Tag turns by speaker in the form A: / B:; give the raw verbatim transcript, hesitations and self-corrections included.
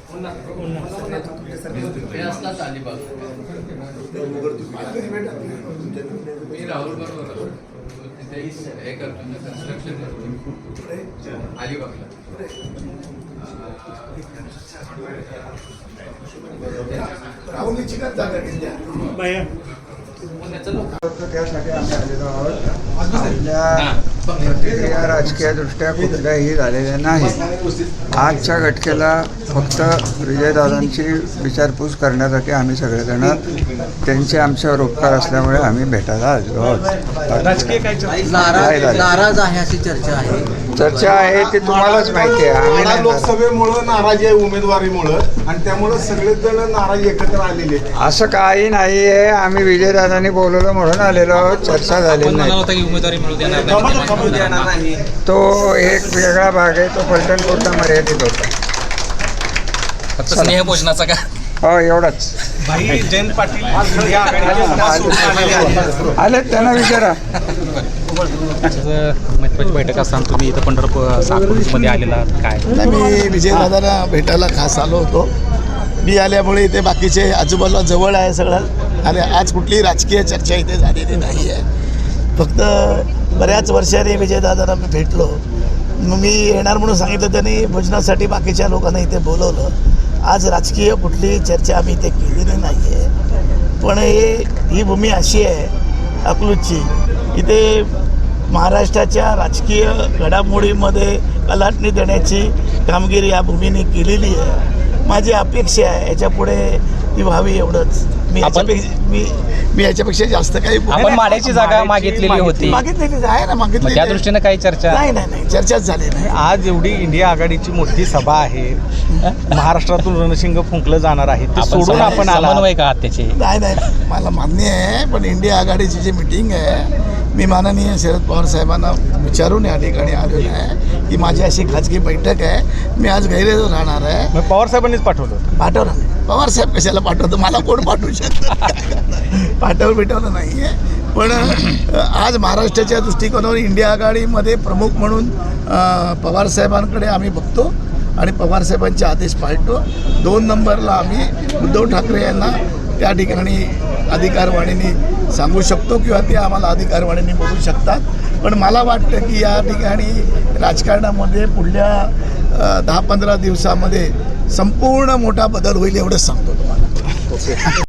A: मी राहुल बरोबर हे करतो कन्स्ट्रक्शन अलिबागला
B: राहुलची का जागा घेतल्या
C: त्यासाठी आम्ही आलेलो आहोत. आपल्या प्रतिक्रिया राजकीय दृष्ट्या कुठल्याही झालेल्या नाही. आजच्या घटकेला फक्त विजयदादांची विचारपूस करण्यासाठी आम्ही सगळेजण त्यांचे आमच्यावर उपकार असल्यामुळे आम्ही भेटायला आलेलो आहोत.
D: राजकीय काय
C: नाराज
D: नाराज आहे अशी चर्चा आहे.
C: चर्चा आहे ती तुम्हालाच माहिती आहे. आम्ही नाही नाराज.
B: लोकसभेमुळं नाराजी आहे उमेदवारीमुळं आणि त्यामुळं सगळेच जण नाराज एकत्र आलेले आहेत.
C: असं काही नाही आहे. आम्ही विजयदादांनी बोलवलं म्हणून आलेलो आहोत. चर्चा झालेली नाही.
D: उमेदवारी मिळू देणार नाही.
C: तो एक वेगळा भाग आहे. तो पलटणपूरचा मर्यादित होता.
D: फक्त स्नेहभोजनाचा का?
C: हो एवढाच.
D: भाई जयंत पाटील या आघाडीचे
C: आले त्यांना विचारा.
D: महत्वाची बैठक असताना तुम्ही इथं पंढरपूर साकोलीमध्ये आलेला आहात काय?
B: नाही, मी विजयदादांना भेटायला खास आलो होतो. मी आल्यामुळे इथे बाकीचे आजूबाजूला जवळ आहे सगळं आणि आज कुठलीही राजकीय चर्चा इथे झालेली नाही आहे. फक्त बऱ्याच वर्षांनी विजयदादांना मी भेटलो. मग मी येणार म्हणून सांगितलं. त्यांनी भोजनासाठी बाकीच्या लोकांना इथे बोलवलं. आज राजकीय कुठलीही चर्चा आम्ही इथे केलेली नाही आहे. पण हे ही भूमी अशी आहे अकलूजची, इथे महाराष्ट्राच्या राजकीय घडामोडीमध्ये कलाटणी देण्याची कामगिरी या भूमीने केलेली आहे. माझी अपेक्षा आहे याच्यापुढे ती व्हावी एवढंच. मी याच्यापेक्षा मी मी याच्यापेक्षा जास्त काही
D: आपण माड्याची जागा मागितलेली होती.
B: मागितलेली आहे ना, मागितली.
D: त्या दृष्टीने काही चर्चा
B: नाही नाही नाही चर्चाच झाली नाही.
E: आज एवढी इंडिया आघाडीची मोठी सभा आहे. महाराष्ट्रातून रणशिंग फुंकलं जाणार आहे. ते सोडून आपण आला
D: समन्वय का त्याचे?
B: नाही नाही मला मान्य आहे. पण इंडिया आघाडीची जी मिटिंग आहे मी माननीय शरद पवार साहेबांना विचारून या ठिकाणी आलेलो आहे की माझी अशी खाजगी बैठक आहे. मी आज गैरेज राहणार आहे.
E: मग पवार साहेबांनीच पाठवलं.
B: पाठवलं नाही. पवार साहेब कशाला पाठवतो? मला कोण पाठवू शकतं? पाठवलं भेटवलं नाही आहे. पण आज महाराष्ट्राच्या दृष्टिकोनावर इंडिया आघाडीमध्ये प्रमुख म्हणून पवार साहेबांकडे आम्ही बघतो आणि पवार साहेबांचे आदेश पाळतो. दोन नंबरला आम्ही उद्धव ठाकरे यांना त्या ठिकाणी अधिकारवाणीने सांगू शकतो किंवा ते आम्हाला अधिकारवाणीने बोलू शकतात. पण मला वाटतं की या ठिकाणी राजकारणामध्ये पुढल्या दहा पंधरा दिवसामध्ये संपूर्ण मोठा बदल होईल एवढंच सांगतो तुम्हाला.